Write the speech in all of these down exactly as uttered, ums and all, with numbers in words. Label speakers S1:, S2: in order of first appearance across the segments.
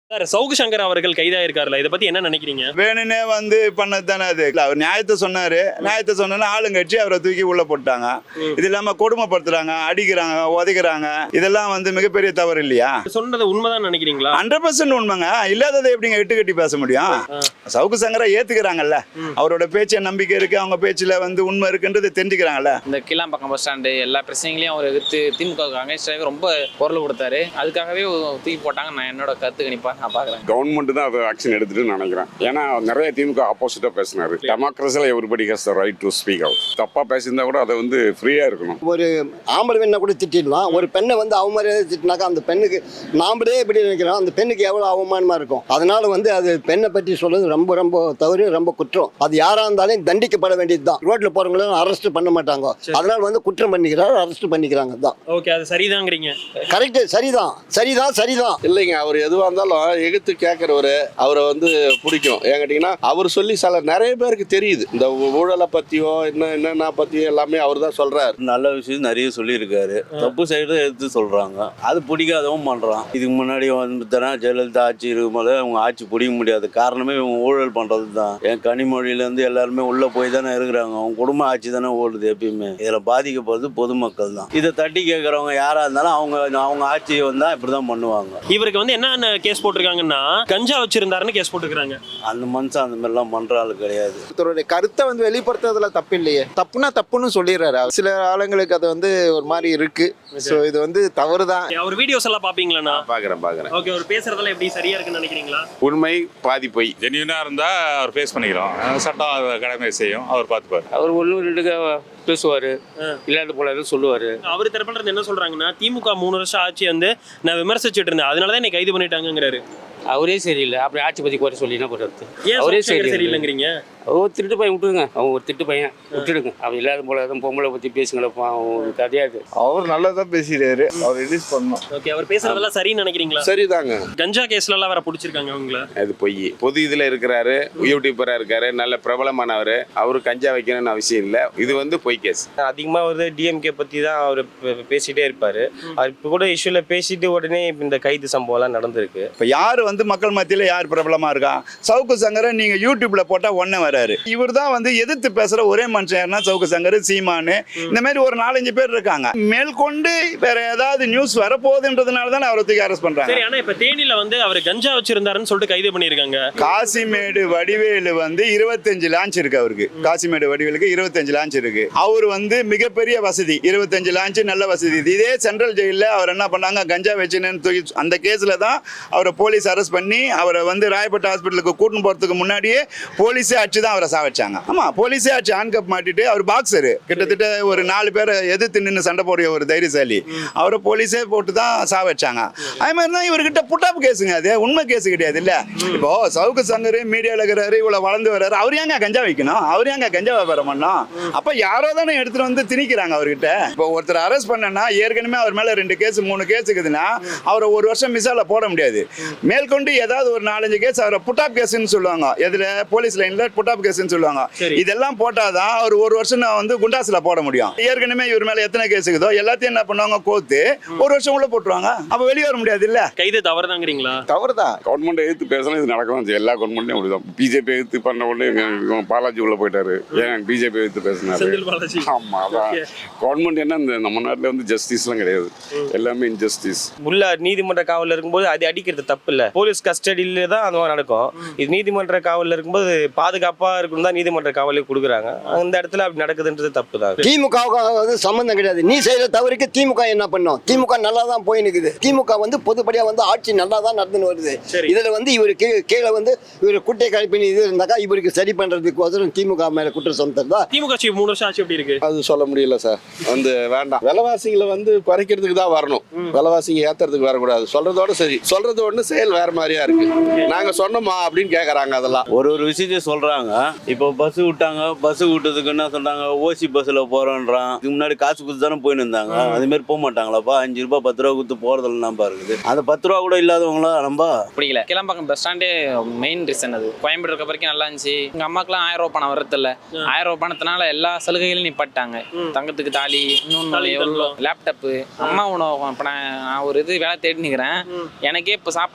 S1: Sir சவுக்கு சங்கர் அவர்கள் கைதாயிருக்காருல, இதை பத்தி என்ன நினைக்கிறீங்க?
S2: வேணுனே வந்து பண்ணது தானே அது. அவர் நியாயத்தை சொன்னாரு, நியாயத்தை சொன்னா ஆளுங்கட்சி அவரை தூக்கி உள்ள போட்டாங்க. இது இல்லாம கொடுமைப்படுத்துறாங்க, அடிக்கிறாங்க, உதைக்கிறாங்க. இதெல்லாம் வந்து மிகப்பெரிய தவறு இல்லையா?
S1: சொன்னது உண்மைதான் நினைக்கிறீங்களா?
S2: ஹண்ட்ரட் பர்சன்ட் உண்மைங்க. இல்லாததை எப்படிங்க எட்டு கட்டி பேச முடியும்? சவுக்கு சங்கரை ஏத்துக்கிறாங்கல்ல, அவரோட பேச்ச நம்பிக்கை இருக்கு, அவங்க பேச்சுல வந்து உண்மை இருக்குன்றது தெரிஞ்சுக்கிறாங்கல்ல.
S3: இந்த கிளாம்பாக்கம் பஸ் ஸ்டாண்டு எல்லா பிரச்சனைகளையும் அவர் எதிர்த்து திமுக அங்கேஸ்டாக ரொம்ப குரல் கொடுத்தாரு. அதுக்காகவே தூக்கி போட்டாங்க. நான் என்னோட கருத்து கணிப்பா நான் பாக்குறேன்.
S4: கவர்மெண்ட் தான் அதை ஆக்ஷன் எடுத்துட்டு நினைக்கிறேன். ஏன்னா நிறைய திமுக ஆப்போசிட்டா பேசினாரு. டெமோக்ரஸில everybody has the right to speak out. தப்பா பேசியிருந்தா கூட அதை வந்து ஃப்ரீயா இருக்கணும்.
S5: ஒரு ஆம்பளை பெண்ணை கூட திட்டிடலாம். ஒரு பெண்ணை வந்து அவமரியாதை திட்டினாக்கா அந்த பெண்ணுக்கு நாமளே எப்படி நினைக்கிறோம், அந்த பெண்ணுக்கு எவ்வளவு அவமானமா இருக்கும். அதனால வந்து அது பெண்ணை பற்றி சொல்றது ரொம்ப ரொம்ப தவறு, ரொம்ப குற்றம். அது யாரா இருந்தாலும் தண்டிக்கப்பட வேண்டியதுதான். ரோட்ல போறவங்களும் அரெஸ்ட் பண்ண மாட்டாங்க. அதனால வந்து குற்றம் பண்ணிக்கிறார், அரெஸ்ட் பண்ணிக்கிறாங்க தான்.
S1: ஓகே, அது சரிதாங்கிறீங்க.
S5: கரெக்ட், சரிதான் சரிதான் சரிதான்.
S6: இல்லைங்க, அவர் எதுவாக இருந்தாலும் எகுத்து கேட்குறவரு அவரை வந்து பிடிக்கும். ஏன் கேட்டிங்கன்னா அவர் சொல்லி சில நிறைய பேருக்கு தெரியுது. இந்த ஊழலை பற்றியோ என்ன என்னென்ன பற்றியோ எல்லாமே அவர் தான் சொல்கிறார்.
S7: நல்ல விஷயம் நிறைய சொல்லியிருக்காரு. தப்பு சைடு எடுத்து சொல்கிறாங்க, அது பிடிக்காதவும் பண்ணுறான். இதுக்கு முன்னாடி வந்து ஜெயலலிதா ஆட்சி இருக்கும்போது அவங்க ஆட்சி பிடிக்க முடியாது. காரணமே இவங்க ஊழல் பண்ணுறது தான். என் கனிமொழியிலேருந்து எல்லாருமே உள்ளே போய் தானே இருக்கிறாங்க. அவங்க குடும்ப ஆட்சி தானே ஓடுது. எப்பயுமே இதில் பாதிக்கப்படுறது பொதுமக்கள் தான். இதை தட்டி கேட்குறவங்க யாராக இருந்தாலும் அவங்க அவங்க ஆட்சியை வந்தால் இப்படி தான் பண்ணுவாங்க.
S1: இவருக்கு வந்து என்ன கேஸ் போட்டிருக்காங்கன்னா கஞ்சா வச்சிருந்தாருன்னு கேஸ் போட்டுக்கிறாங்க.
S7: அந்த மனுஷன் அந்த மாதிரிலாம் பண்ற ஆளு கிடையாது.
S8: ஒருத்தருடைய கருத்தை வந்து வெளிப்படுத்துறதுல தப்பு இல்லையே. தப்புனா தப்புன்னு சொல்லிடுறாரு. சில ஆளுங்களுக்கு அது வந்து ஒரு மாதிரி இருக்கு. ஸோ இது வந்து தவறு தான்.
S1: அவர் வீடியோஸ் எல்லாம் பாப்பீங்களா?
S6: பார்க்குறேன் பார்க்குறேன்.
S1: ஓகே, அவர் பேசுறதெல்லாம் எப்படி சரியா இருக்குன்னு நினைக்கிறீங்களா?
S4: உண்மை பாதி பொய்.
S9: ஜென்யூனா இருந்தா அவர் ஃபேஸ் பண்ணிக்கிறோம். சட்டம் கடமை செய்யும், அவர் பார்த்துப்பார்.
S3: அவர் ஒன்று ரெண்டு பேசுவாரு, இல்லாத போல சொல்லுவாரு.
S1: அவர் தரப்புல என்ன சொல்றாங்கன்னா, திமுக மூணு வருஷம் ஆட்சி வந்து நான் விமர்சிச்சுட்டு இருந்தேன், அதனாலதான் என்னை கைது பண்ணிட்டாங்கிறாரு.
S3: அவரே சரியில்லை. அப்படி ஆட்சி பத்தி குறை சொல்லி என்ன பண்றது?
S1: ஏன் அவரே சரியில்லைங்கிறீங்க?
S3: அவர் திருட்டு பையன் விட்டுருங்க. அவங்க ஒரு திருட்டு பையன் விட்டுடுங்க. அவர் இல்லாத போல பொம்பளை பத்தி பேசுங்களப்பா, அவங்க கதையாது.
S2: அவர் நல்லா பேசிடுறாரு, அவர் ரிலீஸ் பண்ணணும்.
S1: ஓகே, அவர் பேசுறதெல்லாம் சரின்னு நினைக்கிறீங்களா?
S6: சரிதாங்க.
S1: கஞ்சா கேஸ்ல எல்லாம் வேற பிடிச்சிருக்காங்க அவங்கள.
S4: அது பொய். பொது இதுல இருக்கிறாரு, யூடியூபரா இருக்காரு, நல்ல பிரபலமானவர். அவரு கஞ்சா வைக்கணும்னு அவசியம் இல்லை. இது வந்து பொய் கேஸ்.
S10: அதிகமா வந்து டிஎம்கே பத்தி தான் அவர் பேசிட்டே இருப்பாரு. அவர் இப்போ கூட இஷ்யூல பேசிட்டு உடனே இந்த கைது சம்பவம் எல்லாம் நடந்திருக்கு.
S2: இப்ப யாரு வந்து மக்கள் மத்தியில யார் பிரபலமா இருக்கா? சவுக்கு சங்கரை நீங்க யூடியூப்ல போட்டா ஒன்னே வராரு. இவர் தான் வந்து எதிர்த்து பேசுற ஒரே மனுஷன் யாருன்னா சவுக்கு சங்கர், சீமானு, இந்த மாதிரி ஒரு நாலஞ்சு பேர் இருக்காங்க. மேற்கொண்டு வேற ஏதாவது நியூஸ் வரப்போகுதுன்றதுனால தான் அவரை தூக்கி அரெஸ்ட் பண்றாங்க.
S1: சரி, ஆனா இப்ப தேனியில வந்து அவர் கஞ்சா வச்சிருந்தாருன்னு சொல்லிட்டு கைது பண்ணிருக்காங்க.
S2: காசிமேடு வடிவேலு வந்து இருபத்தஞ்சு லான்ச் இருக்கு அவருக்கு. காசிமேடு வடிவேலுக்கு இருபத்தஞ்சு லான்ச் இருக்கு. அவர் வந்து மிகப்பெரிய வசதி, இருபத்தஞ்சு லான்ச் நல்ல வசதி. இதே சென்ட்ரல் ஜெயில அவர் என்ன பண்ணாங்க, கஞ்சா வச்சுன்னு தூக்கி அந்த கேஸ்ல தான் அவரை போலீஸ் அரெஸ்ட் பண்ணி அவரை வந்து ராயப்பேட்டை ஹாஸ்பிட்டலுக்கு கூட்டின்னு போறதுக்கு முன்னாடியே போலீஸே அடிச்சு தான் அவரை சாவச்சாங்க. ஆமா, போலீஸே அடிச்சு ஹேண்ட்கப் மாட்டிட்டு, அவர் பாக்ஸரு, கிட்டத்தட்ட ஒரு நாலு பேரை எதிர்த்து நின்று சண்டை போடுற ஒரு தைரியசாலி. அவரை போலீஸே போட்டு தான் சாவச்சாங்க. அதே மாதிரி தான் இவர்கிட்ட புட்டாப் கேஸுங்க. அது உண்மை கேஸ் கிடையாது இல்ல. இப்போ சவுக்கு சங்கர் மீடியாவில் இருக்கிறாரு, இவ்வளவு வளர்ந்து வர்றாரு, அவர் ஏங்க கஞ்சா வைக்கணும்? அவர் ஏங்க கஞ்சா வியாபாரம் பண்ணோம்? அப்ப யாரோ தானே எடுத்துட்டு வந்து திணிக்கிறாங்க அவர்கிட்ட. இப்போ ஒருத்தர் அரெஸ்ட் பண்ணனா ஏற்கனவே அவர் மேல ரெண்டு கேஸ் மூணு கேஸ் இருக்குதுன்னா அவரை ஒரு வருஷம் மிஸ்ஸால போட முடியாது. மேற்கொண்டு ஏதாவது ஒரு நாலஞ்சு கேஸ் அவரை புட்டாப் கேஸ்ன்னு சொல்லுவாங்க. எதுல? போலீஸ் லைன்ல புட்டாப் கேஸ்ன்னு சொல்லுவாங்க. இதெல்லாம் போட்டாதான் அவர் ஒரு வருஷம் வந்து குண்டாஸ்ல போட முடியும். ஏற்கனவே இவர் மேல எத்தனை கேஸ் இருக்குதோ எல்லாத்தையும் என்ன பண்ணுவாங்க, கோத்து ஒரு வருஷம் உள்ள போட்டுருவாங்க. அப்ப வெளியே வர முடியாது இல்ல.
S1: கைது தவறுதாங்கிறீங்களா?
S2: தவறுதான்.
S4: கவர்மெண்ட் எதிர்த்து பேசணும், இது நடக்கலாம். எல்லா கவர்மெண்ட்லயும் அப்படிதான். பிஜேபி எதிர்த்து பண்ண உடனே பாலாஜி உள்ள போயிட்டாரு. ஏன் பிஜேபி எதிர்த்து பேசினாரு? ஆமா, அதான் கவர்மெண்ட். என்ன இந்த நம்ம நாட்டுல வந்து ஜஸ்டிஸ் எல்லாம் கிடையாது, எல்லாமே இன்ஜஸ்டிஸ்.
S10: உள்ள நீதிமன்ற காவலில் இருக்கும்போது அது அடிக்கிறது தப்பு இல்லை. போலீஸ் கஸ்டடியில தான் அந்த மாதிரி நடக்கும். இது நீதிமன்ற காவலில் இருக்கும்போது பாதுகாப்பா இருக்கணும் தான் நீதிமன்ற காவலே கொடுக்குறாங்க. அந்த இடத்துல அப்படி நடக்குதுன்றது தப்பு தான்.
S5: திமுக வந்து சம்பந்தம் கிடையாது. நீ செய்யற தவறுக்கு திமுக என்ன பண்ணும்? திமுக நல்லா தான் போய் நிக்குது. திமுக வந்து பொதுப்படியா வந்து ஆட்சி நல்லா தான் நடந்துன்னு வருது. இதுல வந்து இவருக்கு கீழே வந்து இவர் குட்டை கழிப்பின் இது இருந்தாக்கா இவருக்கு சரி பண்றதுக்கு திமுக மேல குற்றம் சுமத்துறதா?
S1: திமுக மூணு வருஷம் ஆட்சி எப்படி இருக்கு?
S6: அது சொல்ல முடியல சார். வந்து வேண்டாம், விலைவாசிகளை வந்து குறைக்கிறதுக்கு தான் வரணும், விலைவாசிங்க ஏத்துறதுக்கு வரக்கூடாது. சொல்றதோட சரி, சொல்றது ஒண்ணு செயல் வேற மாதிரியா இருக்கு. நாங்க சொன்னோமா அப்படின்னு கேக்குறாங்க. அதெல்லாம்
S7: ஒரு ஒரு விஷயத்தையும் சொல்றாங்க. இப்போ பஸ் விட்டாங்க, பஸ் விட்டதுக்கு என்ன சொல்றாங்க, ஓசி பஸ்ல போறோன்றான். இதுக்கு முன்னாடி காசு கொடுத்து தானே போயின்னு இருந்தாங்க. அது மாதிரி போக மாட்டாங்களாப்பா? அஞ்சு ரூபாய் பத்து ரூபா கொடுத்து போறதுல நம்ப இருக்குது. அந்த பத்து ரூபா கூட இல்லாதவங்களா நம்ப
S3: பிடிக்கல. கிளம்பாக்கம் பஸ் ஸ்டாண்டே மெயின் ரீசன். அது கோயம்பேடு இருக்க வரைக்கும் நல்லா இருந்துச்சு. எங்க அம்மாக்கெல்லாம் ஆயிரம் ரூபாய் பணம் வரது இல்ல. ஆயிரம் ரூபாய் பணத்தினால எல்லா சலுகைகளும் நிப்பாட்டாங்க. தங்கத்துக்கு தாலி, இன்னொன்னு எவ்வளோ லேப்டாப்பு, அம்மா உணவு. இப்போ நான் ஒரு இது வேலை தேடி நிற்கிறேன். எனக்கே இப்போ சாப்பாடு கஷ்டமா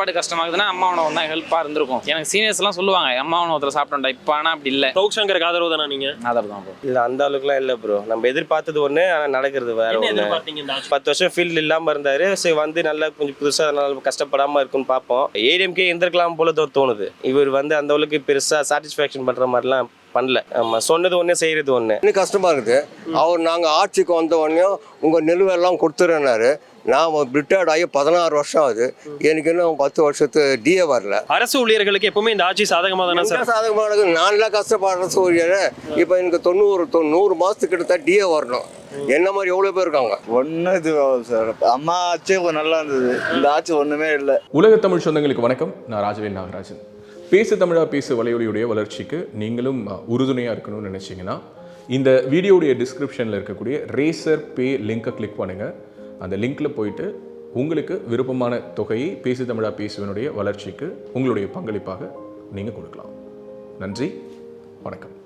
S3: ஆகுதுன்னா அம்மா உணவு தான் ஹெல்ப்பாக இருந்திருக்கும். எனக்கு சீனியர்ஸ் எல்லாம் சொல்லுவாங்க அம்மா உணவத்தில் சாப்பிட்டோம்டா, இப்போ ஆனால் அப்படி இல்லை.
S1: சவுக் சங்கருக்கு ஆதரவு தானா நீங்க?
S3: ஆதரவு தான் ப்ரோ.
S10: இல்லை அந்த அளவுக்குலாம் இல்லை ப்ரோ. நம்ம எதிர்பார்த்தது ஒன்று, ஆனால் நடக்கிறது வேற
S1: என்ன
S10: ஒன்று.
S1: எதிர்பார்த்தீங்க இந்த ஆட்சி?
S10: பத்து வருஷம் ஃபீல்டு இல்லாமல் இருந்தார். சரி வந்து நல்லா கொஞ்சம் புதுசாக நல்லா கஷ்டப்படாமல் இருக்குன்னு பார்ப்போம். ஏடிஎம்கே இருந்திருக்கலாம் போல தோ- தோணுது. இவர் வந்து அந்த அளவுக்கு பெருசாக சாட்டிஸ்ஃபேக்ஷன் பண்ணுற மாதிரிலாம் பண்ணல. ஆமாம், சொன்னது ஒன்று செய்கிறது ஒன்று.
S5: இன்னும் கஷ்டமா இருக்குது. அவர் நாங்கள் ஆட்சிக்கு வந்த உடனே உங்கள் நிலுவெல்லாம் கொடுத்துறேன்னாரு. நான் ரிட்டையர்ட் ஆகி பதினாறு வருஷம் ஆகுது. எனக்கு இன்னும் பத்து வருஷத்து டிஏ வரல.
S1: அரசு ஊழியர்களுக்கு எப்பவுமே இந்த ஆட்சி சாதகமா தானே சார்?
S5: சாதகமானது நான்லாம் கஷ்டப்படுற சூரியன். இப்போ எனக்கு தொண்ணூறு தொண்ணூறு மாதத்துக்கு கிட்ட டிஏ வரணும். என்ன மாதிரி எவ்வளோ பேர் இருக்காங்க.
S2: ஒன்றும் இது சார் அம்மா ஆட்சி நல்லா இருந்தது, இந்த ஆட்சி ஒன்றுமே இல்லை.
S11: உலக தமிழ் சொந்தங்களுக்கு வணக்கம். நான் ராஜவேல் நாகராஜன். பேசு தமிழா பேசு வலையொலியுடைய வளர்ச்சிக்கு நீங்களும் உறுதுணையாக இருக்கணும்னு நினச்சிங்கன்னா இந்த வீடியோடைய டிஸ்கிரிப்ஷனில் இருக்கக்கூடிய ரேசர் பே லிங்கை கிளிக் பண்ணுங்கள். அந்த லிங்க்கில் போயிட்டு உங்களுக்கு விருப்பமான தொகையை பேசு தமிழா பேசுவனுடைய வளர்ச்சிக்கு உங்களுடைய பங்களிப்பாக நீங்கள் கொடுக்கலாம். நன்றி, வணக்கம்.